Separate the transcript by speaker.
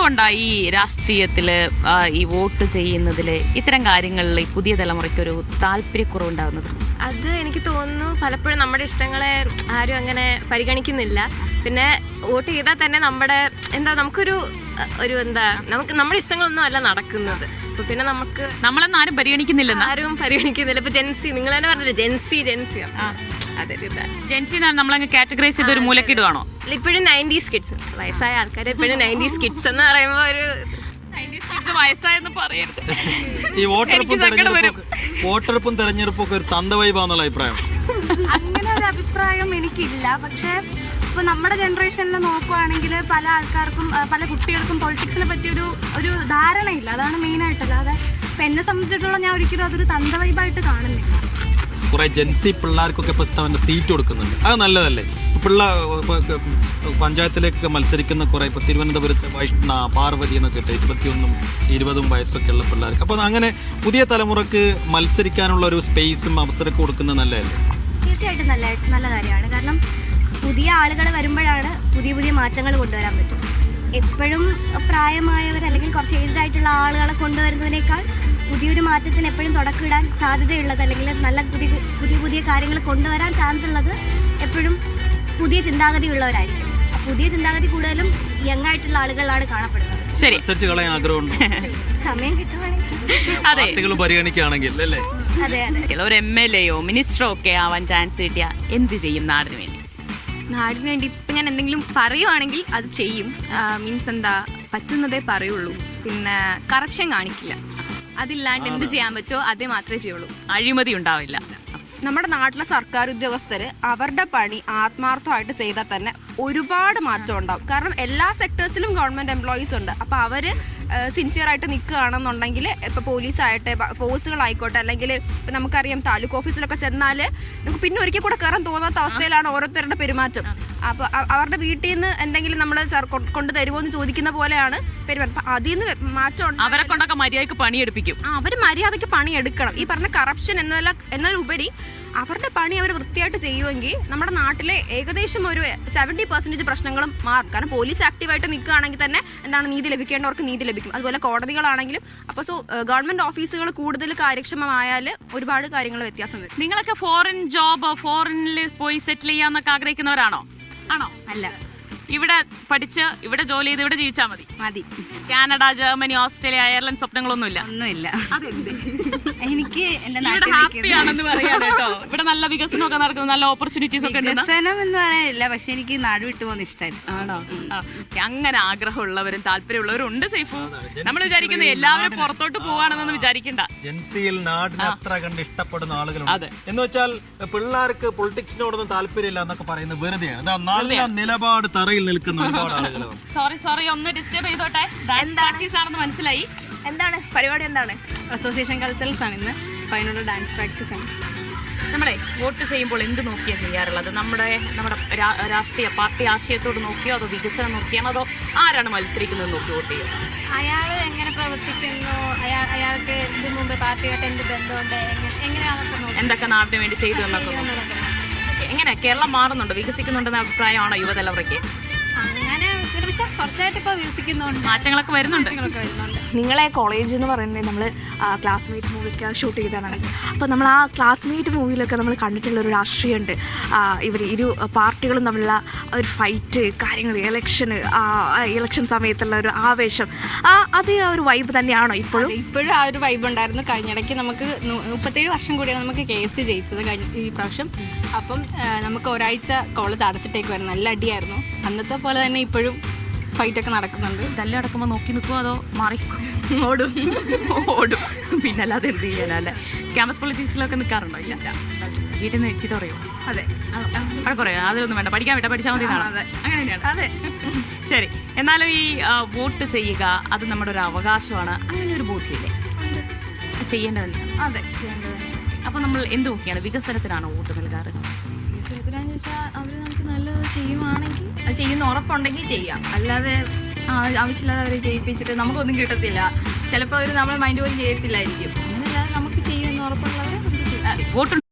Speaker 1: എന്തുകൊണ്ടാണ് ഈ രാഷ്ട്രീയത്തില് ഈ വോട്ട് ചെയ്യുന്നതില് ഇത്തരം കാര്യങ്ങളിൽ ഈ പുതിയ തലമുറയ്ക്കൊരു താല്പര്യക്കുറവുണ്ടാകുന്നത്?
Speaker 2: അത് എനിക്ക് തോന്നുന്നു പലപ്പോഴും നമ്മുടെ ഇഷ്ടങ്ങളെ ആരും അങ്ങനെ പരിഗണിക്കുന്നില്ല. പിന്നെ വോട്ട് ചെയ്താൽ തന്നെ നമ്മുടെ നമുക്കൊരു നമ്മുടെ ഇഷ്ടങ്ങളൊന്നും അല്ല നടക്കുന്നത്. അപ്പൊ പിന്നെ
Speaker 1: നമ്മളൊന്നും ആരും പരിഗണിക്കുന്നില്ല.
Speaker 2: ഇപ്പൊ ജെൻസി, നിങ്ങൾ തന്നെ പറഞ്ഞില്ലേ ജെൻസി
Speaker 1: ജെൻസി നമ്മളങ്ങ് കാറ്റഗറൈസ് ചെയ്ത് ഒരു മൂലക്കിടുവാണോ?
Speaker 2: ഇപ്പോഴും 90s കിഡ്സ്, വയസ്സായ ആൾക്കാർ ഇപ്പോഴും 90s കിഡ്സ് എന്ന് പറയുമ്പോൾ ഒരു
Speaker 1: വയസ്സായെന്ന് പറയരുത്.
Speaker 3: ഈ വോട്ടെടുപ്പും തെരഞ്ഞെടുപ്പും ഒക്കെ ഒരു തന്തവൈബാന്നുള്ള അഭിപ്രായം?
Speaker 4: അങ്ങനെ ഒരു അഭിപ്രായം എനിക്കില്ല. പക്ഷെ ഇപ്പൊ നമ്മുടെ ജനറേഷനിൽ നോക്കുവാണെങ്കിൽ പല ആൾക്കാർക്കും പല കുട്ടികൾക്കും പൊളിറ്റിക്സിനെ പറ്റി ഒരു ധാരണയില്ല. അതാണ് മെയിനായിട്ട്. അല്ലാതെ ഇപ്പൊ എന്നെ സംബന്ധിച്ചിടത്തോളം ഞാൻ ഒരിക്കലും അതൊരു തന്തവൈബായിട്ട് കാണുന്നില്ല.
Speaker 3: കുറെ ജെൻസി പിള്ളേർക്കൊക്കെ ഇപ്പൊ സീറ്റ് കൊടുക്കുന്നുണ്ട്, അത് നല്ലതല്ലേ? പഞ്ചായത്തിലേക്ക് മത്സരിക്കുന്ന കുറെ ഇപ്പൊ തിരുവനന്തപുരത്ത് വൈഷ്ണ, പാർവതി എന്നൊക്കെ ഇട്ട് 21 20 വയസ്സൊക്കെ ഉള്ള പിള്ളേർക്ക് അപ്പോൾ അങ്ങനെ പുതിയ തലമുറക്ക് മത്സരിക്കാനുള്ള ഒരു സ്പേസും അവസരമൊക്കെ കൊടുക്കുന്നത് നല്ലതല്ലേ?
Speaker 4: തീർച്ചയായിട്ടും നല്ല കാര്യമാണ്. കാരണം പുതിയ ആളുകൾ വരുമ്പോഴാണ് പുതിയ മാറ്റങ്ങൾ കൊണ്ടുവരാൻ പറ്റും. എപ്പോഴും പ്രായമായവർ അല്ലെങ്കിൽ കുറച്ച് ഏജ്ഡ് ആയിട്ടുള്ള ആളുകളെ കൊണ്ടുവരുന്നതിനേക്കാൾ പുതിയൊരു മാറ്റത്തിന് എപ്പോഴും തുടക്കമിടാൻ സാധ്യതയുള്ളത് അല്ലെങ്കിൽ നല്ല പുതിയ കാര്യങ്ങൾ കൊണ്ടുവരാൻ ചാൻസ് ഉള്ളത് എപ്പോഴും പുതിയ ചിന്താഗതി ഉള്ളവരായിരിക്കും. പുതിയ ചിന്താഗതി കൂടുതലും യങ് ആയിട്ടുള്ള ആളുകളാണ് കാണപ്പെടുന്നത്.
Speaker 1: ശരി,
Speaker 4: സമയം കിട്ടുവാണെങ്കിൽ
Speaker 3: പരിഗണിക്കുകയാണെങ്കിൽ അല്ലേ?
Speaker 4: അതെ.
Speaker 1: ഒരു MLA-യോ മിനിസ്റ്ററോ ഒക്കെ ആവാൻ ചാൻസ് കിട്ടിയ എന്ത് ചെയ്യും നാടിന് വേണ്ടി?
Speaker 5: നാടിന് വേണ്ടി ഇപ്പം ഞാൻ എന്തെങ്കിലും പറയുവാണെങ്കിൽ അത് ചെയ്യും. മീൻസ് പറ്റുന്നതേ പറയുള്ളൂ. പിന്നെ കറപ്ഷൻ കാണിക്കില്ല. അതില്ലാണ്ട് എന്ത് ചെയ്യാൻ പറ്റുമോ അതേ മാത്രമേ ചെയ്യുള്ളൂ.
Speaker 1: അഴിമതി ഉണ്ടാവില്ല.
Speaker 6: നമ്മുടെ നാട്ടിലെ സർക്കാർ ഉദ്യോഗസ്ഥർ അവരുടെ പണി ആത്മാർത്ഥമായിട്ട് ചെയ്താൽ തന്നെ ഒരുപാട് മാറ്റം ഉണ്ടാവും. കാരണം എല്ലാ സെക്ടേഴ്സിലും ഗവൺമെൻറ് എംപ്ലോയീസ് ഉണ്ട്. അപ്പോൾ അവർ സിൻസിയറായിട്ട് നിൽക്കുകയാണെന്നുണ്ടെങ്കിൽ ഇപ്പോൾ പോലീസായിട്ടെ, ഫോഴ്സുകളായിക്കോട്ടെ, അല്ലെങ്കിൽ ഇപ്പം നമുക്കറിയാം താലൂക്ക് ഓഫീസിലൊക്കെ ചെന്നാൽ നമുക്ക് പിന്നെ ഒരിക്കൽ കൂടെ കയറാൻ തോന്നാത്ത അവസ്ഥയിലാണ് ഓരോരുത്തരുടെ പെരുമാറ്റം. അപ്പോൾ അവരുടെ വീട്ടിൽ നിന്ന് എന്തെങ്കിലും നമ്മൾ കൊണ്ട് തരുമോ എന്ന് ചോദിക്കുന്ന പോലെയാണ് പെരുമാറ്റം. അപ്പം അതിൽ നിന്ന് മാറ്റം
Speaker 1: അവരെ കൊണ്ടൊക്കെ മര്യാദയ്ക്ക് പണിയെടുപ്പിക്കും.
Speaker 6: അവർ മര്യാദയ്ക്ക് പണിയെടുക്കണം. ഈ പറഞ്ഞ കറപ്ഷൻ എന്നതിലുപരി അവരുടെ പണി അവർ വൃത്തിയായിട്ട് ചെയ്യുമെങ്കിൽ നമ്മുടെ നാട്ടിലെ ഏകദേശം ഒരു 70% പ്രശ്നങ്ങളും മാറും. കാരണം പോലീസ് ആക്റ്റീവായിട്ട് നിൽക്കുകയാണെങ്കിൽ തന്നെ നീതി ലഭിക്കേണ്ടവർക്ക് നീതി ലഭിക്കും. അതുപോലെ കോടതികളാണെങ്കിലും. അപ്പോൾ ഗവൺമെന്റ് ഓഫീസുകൾ കൂടുതൽ കാര്യക്ഷമമായാൽ ഒരുപാട് കാര്യങ്ങൾ വ്യത്യാസം വരും.
Speaker 1: നിങ്ങളൊക്കെ ഫോറിനിൽ പോയി സെറ്റിൽ ചെയ്യാന്നൊക്കെ ആഗ്രഹിക്കുന്നവരാണോ? ആണോ?
Speaker 6: അല്ല,
Speaker 1: ഇവിടെ പഠിച്ച് ഇവിടെ ജോലി ചെയ്ത് ഇവിടെ ജീവിച്ചാൽ മതി. കാനഡ, ജർമ്മനി, ഓസ്ട്രേലിയ, അയർലൻഡ് സ്വപ്നങ്ങളൊന്നുമില്ല?
Speaker 6: ഒന്നുമില്ല.
Speaker 4: എനിക്ക് എന്റെ
Speaker 1: ഹാപ്പിയാണെന്ന് പറയാം കേട്ടോ. ഇവിടെ നല്ല വികസനമൊക്കെ നടക്കുന്നു, നല്ല ഓപ്പർച്യൂണിറ്റീസ് ഒക്കെ ഉണ്ട്.
Speaker 6: വികസനം എന്ന് പറയാനില്ല, പക്ഷെ എനിക്ക് നാട് വിട്ടു പോകുന്ന ഇഷ്ടമല്ല.
Speaker 1: ആണോ? അങ്ങനെ ആഗ്രഹമുള്ളവരും താല്പര്യമുള്ളവരും ഉണ്ട് സൈഫു. നമ്മൾ വിചാരിക്കുന്നത് എല്ലാവരും പുറത്തോട്ട് പോവാണെന്നൊന്നും വിചാരിക്കണ്ട.
Speaker 3: ജെൻസിയിൽ നാടിനെ അത്ര കണ്ട് ഇഷ്ടപ്പെടുന്ന ആളുകളുണ്ട്. എന്ന് വെച്ചാൽ പിള്ളേർക്ക് പൊളിറ്റിക്സിനോടൊന്നും താല്പര്യമില്ല എന്നൊക്കെ പറയുന്നത് വെറുതെയാണ്. നല്ല നിലപാട് തറയിൽ നിൽക്കുന്ന ഒരുപാട് ആളുകളാണ്.
Speaker 1: സോറി ഒന്ന് ഡിസ്റ്റർബ് ചെയ്തോട്ടെ. ഡാൻസ് പ്രാക്ടീസ് ആണെന്ന് മനസ്സിലായി.
Speaker 2: എന്താണ് പരിപാടി? എന്താണ്?
Speaker 6: അസോസിയേഷൻ കൾച്ചറൽസ് ആണ് ഇന്ന്. അപ്പോൾ അതിനുള്ള ഡാൻസ് പ്രാക്ടീസ് ആണ്.
Speaker 1: നമ്മളെ വോട്ട് ചെയ്യുമ്പോൾ എന്ത് നോക്കിയാണ് ചെയ്യാറുള്ളത്? നമ്മുടെ രാഷ്ട്രീയ പാർട്ടി ആശയത്തോട് നോക്കിയോ, അതോ വികസനം നോക്കിയാണോ, അതോ ആരാണ് മത്സരിക്കുന്നത് നോക്കി വോട്ട് ചെയ്യും?
Speaker 4: അയാൾ എങ്ങനെ പ്രവർത്തിക്കുന്നു, അയാൾക്ക് ഇതിനു മുമ്പ് പാർട്ടിയായിട്ട് എന്ത് ബന്ധമുണ്ട്, എങ്ങനെയാണെന്നൊക്കെ
Speaker 1: എന്തൊക്കെ നാടിന് വേണ്ടി ചെയ്തു എന്നൊക്കെ. എങ്ങനെ കേരളം മാറുന്നുണ്ടോ, വികസിക്കുന്നുണ്ടെന്ന അഭിപ്രായമാണോ യുവതലമുറയ്ക്ക്?
Speaker 4: അങ്ങനെ കുറച്ചായിട്ട് ഇപ്പോൾ വികസിക്കുന്നുണ്ട്,
Speaker 1: മാറ്റങ്ങളൊക്കെ വരുന്നുണ്ട്.
Speaker 7: നിങ്ങളെ കോളേജ് എന്ന് പറയുന്നത് നമ്മൾ ക്ലാസ്മേറ്റ് മൂവിയൊക്കെ ഷൂട്ട് ചെയ്തതാണ്. അപ്പോൾ നമ്മൾ ആ ക്ലാസ്മേറ്റ് മൂവിയിലൊക്കെ നമ്മൾ കണ്ടിട്ടുള്ളൊരു രാഷ്ട്രീയമുണ്ട്. ഇരു പാർട്ടികളും തമ്മിലുള്ള ഒരു ഫൈറ്റ്, കാര്യങ്ങൾ, ഇലക്ഷൻ സമയത്തുള്ള ഒരു ആവേശം, അത് ആ ഒരു വൈബ് തന്നെയാണോ ഇപ്പോഴും?
Speaker 6: ഇപ്പോഴും ആ ഒരു വൈബ് ഉണ്ടായിരുന്നു. കഴിഞ്ഞിടയ്ക്ക് നമുക്ക് 37 വർഷം കൂടിയാണ് നമുക്ക് കേസ് ജയിച്ചത് ഈ പ്രാവശ്യം. അപ്പം നമുക്ക് ഒരാഴ്ച കോളേജ് അടച്ചിട്ടേക്കുമായിരുന്നു. നല്ല അടിയായിരുന്നു. അന്നത്തെ പോലെ തന്നെ ഇപ്പോഴും ഫൈറ്റൊക്കെ നടക്കുന്നുണ്ട്.
Speaker 1: തല്ലി അടക്കുമ്പോൾ നോക്കി നിൽക്കുമോ അതോ മാറിക്കും? ഓടും. പിന്നെ അല്ലാതെ എന്ത് ചെയ്യാനല്ലേ? ക്യാമ്പസ് പൊളിറ്റിക്സിലൊക്കെ നിൽക്കാറുണ്ടോ? ഇല്ല. വീട്ടിൽ നിന്ന് ചീത്ത പറയോ?
Speaker 6: അതെ.
Speaker 1: പറയാം അതൊന്നും വേണ്ട, പഠിച്ചാൽ മതി. അങ്ങനെ തന്നെയാണ്. അതെ. ശരി. എന്നാലും ഈ വോട്ട് ചെയ്യുക അത് നമ്മുടെ ഒരു അവകാശമാണ്. അങ്ങനെ ഒരു ബോധ്യമില്ലേ? ചെയ്യേണ്ടതല്ലേ?
Speaker 6: അതെ, ചെയ്യേണ്ടത്.
Speaker 1: അപ്പോൾ നമ്മൾ എന്ത് നോക്കിയാണ് വികസനത്തിനാണോ വോട്ട് നൽകാറ്?
Speaker 5: വികസനത്തിനാന്ന് ചോദിച്ചാൽ അവർ നമുക്ക് നല്ലത് ചെയ്യുവാണെങ്കിൽ, അത് ചെയ്യുന്ന ഉറപ്പുണ്ടെങ്കിൽ ചെയ്യാം. അല്ലാതെ ആവശ്യമില്ലാതെ അവരെ ജയിപ്പിച്ചിട്ട് നമുക്കൊന്നും കിട്ടത്തില്ല. ചിലപ്പോൾ അവർ നമ്മൾ മൈൻഡ് പോലും ചെയ്യത്തില്ലായിരിക്കും. അങ്ങനെയല്ലാതെ നമുക്ക് ചെയ്യുമെന്ന് ഉറപ്പുള്ളവരെ നമുക്ക് ചെയ്യാം.
Speaker 1: വോട്ട്